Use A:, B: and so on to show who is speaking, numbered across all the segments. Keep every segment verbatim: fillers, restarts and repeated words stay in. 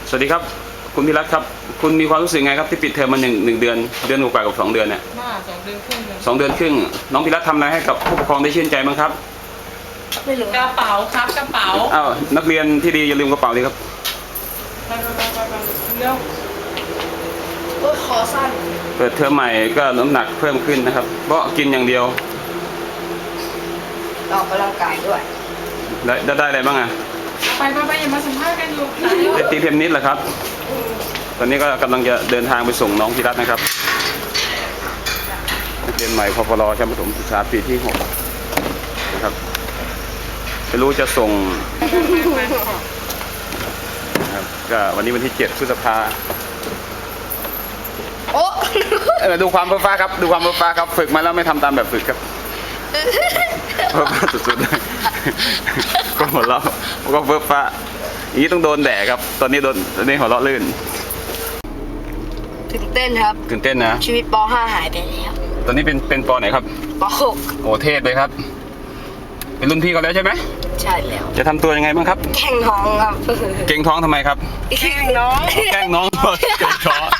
A: สวัสดีครับคุณพิรัตน์ครับคุณมีความรู้สึกไงครับที่ปิดเทอมมาหนึ่งหนึ่งเดือนเดือนกว่ากับสองเดือนเนี่ย
B: มาสองเดือนครึ่งเลย
A: สองเดือนครึ่งน้องพิรัตน์ทำอะไรให้กับผู้ปกครองได้ชื่นใจบ้างครับ
C: ไม่รู้
B: กระเป๋าครับกระเป๋า
A: อ้าวนักเรียนที่ดีอย่าลืมกระเป๋าเลยครับ
B: ไปไปไปไปไปเร็ว
C: โอ้ยคอสั้น
A: เปิดเทอมใหม่ก็น้ำหนักเพิ่มขึ้นนะครับเพราะกินอย่างเดียว
C: ออกกำลังกายด้วย
A: ได้ได้ได้อะไรบ้างอ่ะ
B: ไปไปไปอย่ามาสัมภาษณ์กันอยู่
A: ได้ตีเทนนิสเหรอครับตอนนี้ก็กำลังจะเดินทางไปส่งน้องพิรัตน์นะครับนักเรียนใหม่พปรชั้นประถมศึกษาปีที่หกนะครับไม่รู้จะส่งนะครับก็วันนี้วันที่เจ็ดพฤษภา
C: โอ้
A: เออดูความเพ้อฟ้าครับดูความเพ้อฟ้าครับฝึกมาแล้วไม่ทำตามแบบฝึกครับเพ้อฟ้าสุดๆเลยก็หัวเราะก็เพ้อฟ้าอย่างนี้ต้องโดนแดดครับตอนนี้โดนตอนนี้หัวเราะลื่น
C: ตื่นเต้นครับ
A: ตื่นเต้นนะ
C: ชีวิตป .ห้า หายไปแล้ว
A: ตอนนี้เป็นเป็นปไหนครับ
C: ป .หก
A: โอ้เทศเลยครับเป็นรุ่นพี่เขาแล้วใช่ไหม
C: ใช่แล้ว
A: จะทำตัวยังไงบ้างครับ
C: แข่งท้องครับ
A: เก่งท้องทำไมครับ
C: แข่งน้อง
A: แกล้งน้องเก่งท้อง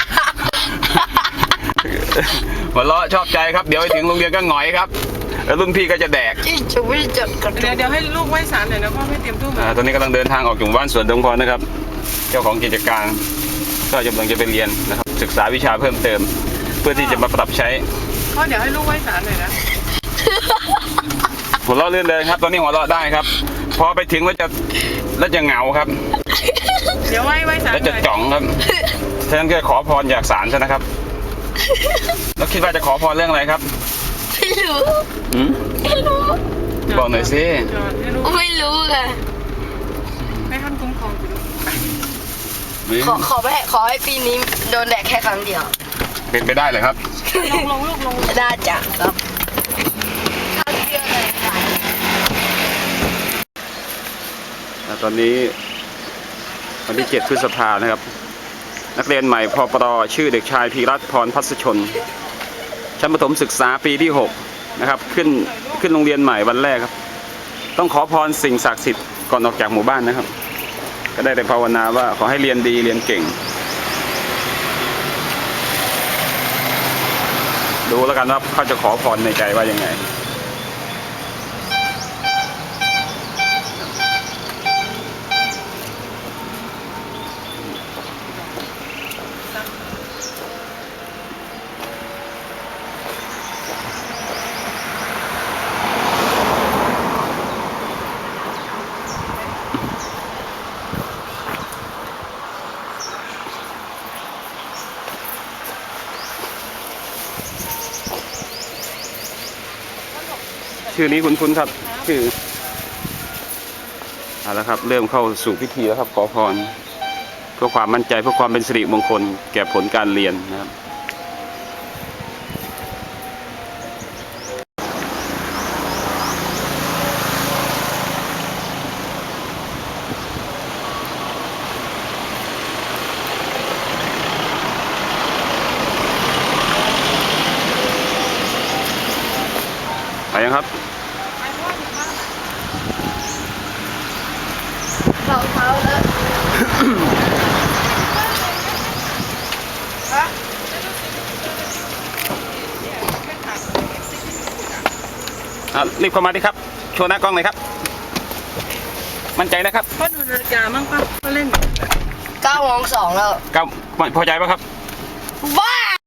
A: หัวเราะชอบใจครับเดี๋ยวไปถึงโรงเรียนก็หงอยครับแล้วรุ่นพี่ก็จะแดก
C: ที่จะวิ่งจัดกระ
B: เดี๋ยวเดี๋ยวให้ลูกไหว้ศาลหน่อยนะพ่อไม่เตรียมตู้มา
A: ตอนนี้กำลังเดินทางออกจากบ้านสวนดงพรนะครับเจ้าของกิจการก็กำลังจะไปเรียนนะครับศึกษาวิชาเพิ่มเติม เพื่อที่จะมาปรับใช้
B: พ่อเดี๋ยวให้ลูกไหว้ศาลหน่อยนะ
A: หัวเราะเลื่อนเลยครับตอนนี้หัวเราะได้ครับพอไปถึงแล้วจะแล้วจะเหงาครับ
B: เดี๋ยวไหว้ไหว้ศาล
A: แล้วจะจ่องครับฉะนั้นก็ขอพรจากศาลซะนะครับแล้วคิดว่าจะขอพรเรื่องอะไรครับ
C: ไม่รู้
A: ไม่รู้บอกหน่อยสิ
C: ไม่รู้ค่ะ
B: ให้ท่านคุ้มครองคุณ
C: ขอขอไม่ขอให้ปีนี้โดนแดดแค่ครั้งเดียว
A: เป็นไปได้เลยครับ
B: ลงลงลงลง
C: ได้จ้ะครับครั้งเดียวเลย
A: ค่ะตอนนี้วันที่เจ็ดพฤษภานะครับนักเรียนใหม่พปรชื่อเด็กชายพีรัตน์พรพัสชนชั้นประถมศึกษาปีที่หกนะครับขึ้นขึ้นโรงเรียนใหม่วันแรกครับต้องขอพรสิ่งศักดิ์สิทธิ์ก่อนออกจากหมู่บ้านนะครับก็ได้แต่ภาวนาว่าขอให้เรียนดีเรียนเก่งดูแล้วกันว่าเขาจะขอพรในใจว่ายังไงชื่อนี้คุ้นๆครับชื่อเอาละครับเริ่มเข้าสู่พิธีแล้วครับขอพรเพื่อความมั่นใจเพื่อความเป็นสิริมงคลแก่ผลการเรียนนะครับไปยังครับ
C: รองเท้าแล้ว
A: รีบเข้ามาดิครับโชว์หน้ากล้องหน่อยครับมั่นใจนะครับ
B: พ่อดูนาฬิกามั่งป่ะพ่อเล่น
C: เก้าโมงสองแล้ว
A: ก้าพอใจป่ะครับ